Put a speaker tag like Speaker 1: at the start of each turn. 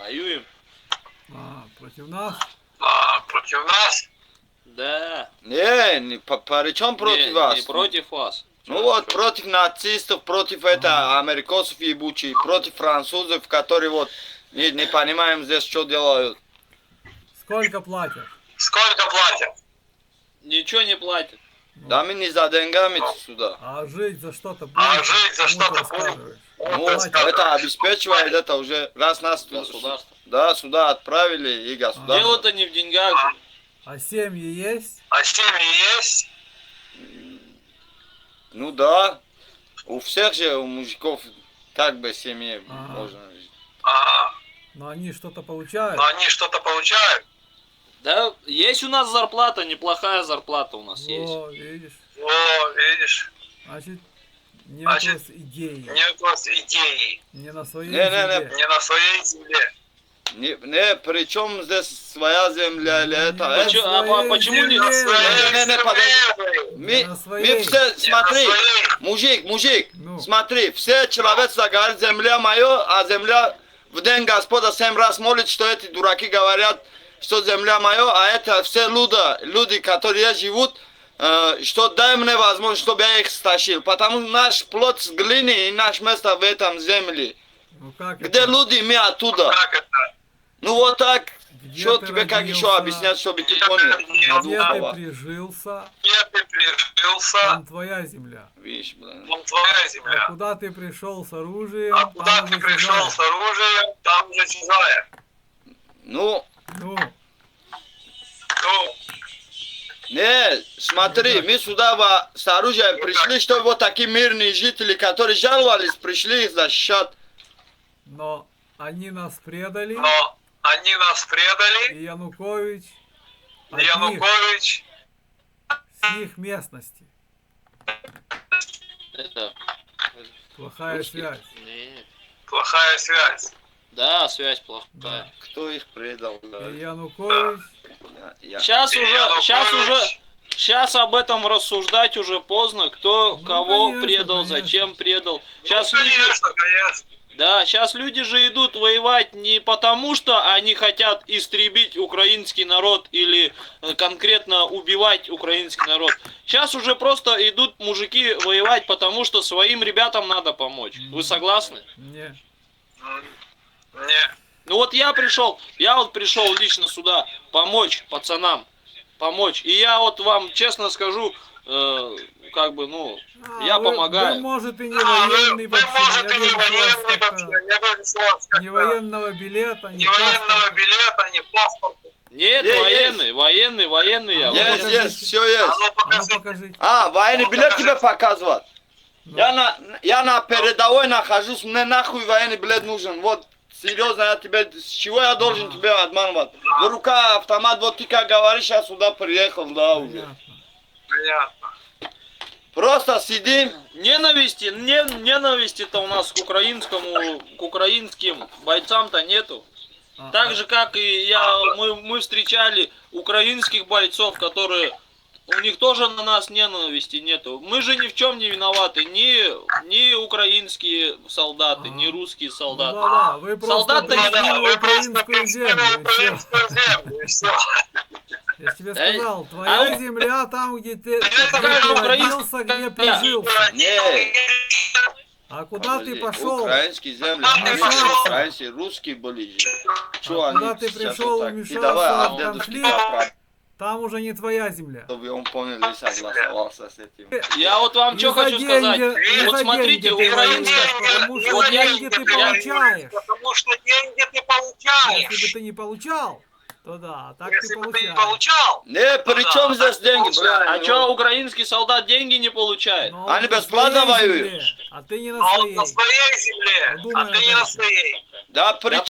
Speaker 1: Воюем.
Speaker 2: Против нас?
Speaker 3: Против нас?
Speaker 1: Да.
Speaker 4: Не, при чем против вас?
Speaker 1: Не против вас.
Speaker 4: Ну вот, против нацистов, против америкосов ебучих, против французов, которые вот не понимаем здесь, что делают.
Speaker 2: Сколько платят?
Speaker 3: Сколько платят?
Speaker 1: Ничего не платят.
Speaker 4: Да мы не за деньгами сюда.
Speaker 2: А жить за что-то будем?
Speaker 3: А жить за
Speaker 2: Кому
Speaker 3: что-то
Speaker 2: ты рассказываешь?
Speaker 4: Ну, это обеспечивает, это уже раз нас
Speaker 1: Государство.
Speaker 4: да, сюда отправили и государство.
Speaker 1: Дело-то не в деньгах же.
Speaker 2: А семьи есть?
Speaker 3: А семьи есть?
Speaker 4: Ну да, у всех же, у мужиков, как бы семьи можно жить.
Speaker 2: Но они что-то получают?
Speaker 3: Но они что-то получают?
Speaker 1: Да, есть у нас зарплата, неплохая зарплата у нас есть.
Speaker 2: О, видишь?
Speaker 3: О, видишь?
Speaker 2: Значит, нет у вас идеи.
Speaker 3: Нет у вас идеи.
Speaker 2: Не на своей
Speaker 4: Не,
Speaker 2: земле.
Speaker 3: Не на своей земле.
Speaker 4: Не, причем здесь своя земля или это?
Speaker 1: Почему не?
Speaker 4: Мы все, смотри, мужик, смотри, все человечество говорит, земля моя, а земля в день Господа 7 раз молит, что эти дураки говорят, что земля моя, а это все люди, которые живут, что дай мне возможность, чтобы я их стащил, потому что наш плод с глины и наше место в этом земле.
Speaker 2: Ну, как
Speaker 4: Где
Speaker 2: это?
Speaker 4: люди, мы оттуда.
Speaker 3: Как это?
Speaker 4: Ну вот так.
Speaker 2: Где
Speaker 4: Что
Speaker 2: ты
Speaker 4: тебе как
Speaker 2: родился?
Speaker 4: еще объяснять, чтобы ты понял?
Speaker 2: Где ты прижился?
Speaker 3: Где ты прижился?
Speaker 2: Там твоя земля.
Speaker 4: Видишь, блин.
Speaker 3: Там твоя земля.
Speaker 2: А куда ты пришел с оружием?
Speaker 3: А куда
Speaker 2: там
Speaker 3: ты
Speaker 2: уже
Speaker 3: пришел
Speaker 2: чужая.
Speaker 3: с оружием? Там уже чужая.
Speaker 4: Ну,
Speaker 2: Ну,
Speaker 3: Ну,
Speaker 4: не, смотри, мы сюда с оружием пришли, чтобы вот такие мирные жители, которые жаловались, пришли их защищать.
Speaker 2: но они нас предали,
Speaker 3: но они нас предали.
Speaker 2: и Янукович от
Speaker 3: Янукович
Speaker 2: с их местности.
Speaker 1: Это...
Speaker 2: Плохая
Speaker 1: русских?
Speaker 2: связь.
Speaker 1: Не.
Speaker 3: плохая связь.
Speaker 1: Да, связь плохая.
Speaker 2: Да.
Speaker 4: Кто их предал?
Speaker 2: И Янукович,
Speaker 1: Сейчас об этом рассуждать уже поздно, кто кого
Speaker 2: конечно,
Speaker 1: предал,
Speaker 2: конечно.
Speaker 1: зачем предал.
Speaker 3: Ну,
Speaker 1: Сейчас люди же идут воевать не потому, что они хотят истребить украинский народ или конкретно убивать украинский народ. Сейчас уже просто идут мужики воевать, потому что своим ребятам надо помочь. Вы согласны?
Speaker 2: не.
Speaker 3: Не.
Speaker 1: Ну вот я пришел лично сюда помочь пацанам, помочь. И я вот вам честно скажу, я помогаю.
Speaker 2: Вы, может, и не военный вообще.
Speaker 3: может, и не
Speaker 2: Я
Speaker 3: военный
Speaker 2: вижу,
Speaker 3: вообще. Я вижу, что у вас
Speaker 2: ни военного билета, ни
Speaker 3: ни военного
Speaker 2: паспорта.
Speaker 3: билета, ни паспорта.
Speaker 1: Нет, военный я.
Speaker 4: Есть, все есть.
Speaker 3: А ну
Speaker 2: А ну
Speaker 3: покажи.
Speaker 2: покажите.
Speaker 4: Военный билет тебе показывать.
Speaker 2: Ну.
Speaker 4: Я на передовой нахожусь, мне нахуй военный билет нужен. Вот, серьезно, я тебе, с чего я должен тебя обманывать? В рука автомат, вот ты как говоришь, я сюда приехал, да, уже.
Speaker 2: Понятно.
Speaker 3: Понятно.
Speaker 4: Просто сидим.
Speaker 1: Ненависти-то у нас к украинским бойцам-то нету. Так же, как и мы встречали украинских бойцов, которые... У них тоже на нас ненависти нету. Мы же ни в чем не виноваты. Ни украинские солдаты, ни русские солдаты.
Speaker 2: Да, вы просто
Speaker 1: Солдат-то не
Speaker 2: пришли на
Speaker 3: Вы
Speaker 2: украинскую землю. и всё.
Speaker 3: украинскую землю, и все.
Speaker 2: Я ж тебе сказал, твоя земля там, где ты
Speaker 1: какая же
Speaker 2: родился, где
Speaker 1: украинская
Speaker 2: прижился.
Speaker 4: Не,
Speaker 2: А куда ты пошел?
Speaker 4: украинские земли,
Speaker 2: Вмешался.
Speaker 4: украинские, русские были. Чего
Speaker 2: А
Speaker 4: они
Speaker 2: куда ты
Speaker 4: сейчас
Speaker 2: пришел,
Speaker 4: вот так? Ты
Speaker 2: вмешался
Speaker 4: давай,
Speaker 2: в
Speaker 4: а дедушке
Speaker 2: конфликт?
Speaker 4: поправь,
Speaker 2: Там уже не твоя земля.
Speaker 4: чтобы он понял и согласовался с этим.
Speaker 1: Я вот вам
Speaker 2: Не
Speaker 1: что
Speaker 2: за
Speaker 1: хочу
Speaker 2: деньги,
Speaker 1: сказать.
Speaker 2: не
Speaker 1: Вот
Speaker 2: за
Speaker 1: смотрите,
Speaker 2: деньги ты
Speaker 1: украинская...
Speaker 2: воюешь, потому что
Speaker 1: Вот я-
Speaker 2: деньги ты получаешь.
Speaker 3: Потому что деньги ты получаешь.
Speaker 2: Если бы ты не получал, то да, так
Speaker 3: Если
Speaker 2: ты
Speaker 3: бы ты не
Speaker 2: получаешь.
Speaker 3: получал,
Speaker 4: Не, при чем здесь деньги,
Speaker 1: А
Speaker 4: блядь?
Speaker 1: что, украинский солдат деньги не получает?
Speaker 2: Но
Speaker 4: Они
Speaker 2: он на
Speaker 4: бесплатно
Speaker 2: своей
Speaker 4: воюют.
Speaker 2: земле, а ты не на
Speaker 3: а он
Speaker 2: своей.
Speaker 3: на своей земле,
Speaker 2: Подумай
Speaker 3: а ты
Speaker 2: об
Speaker 3: не на
Speaker 2: этом.
Speaker 3: своей.
Speaker 4: Да, при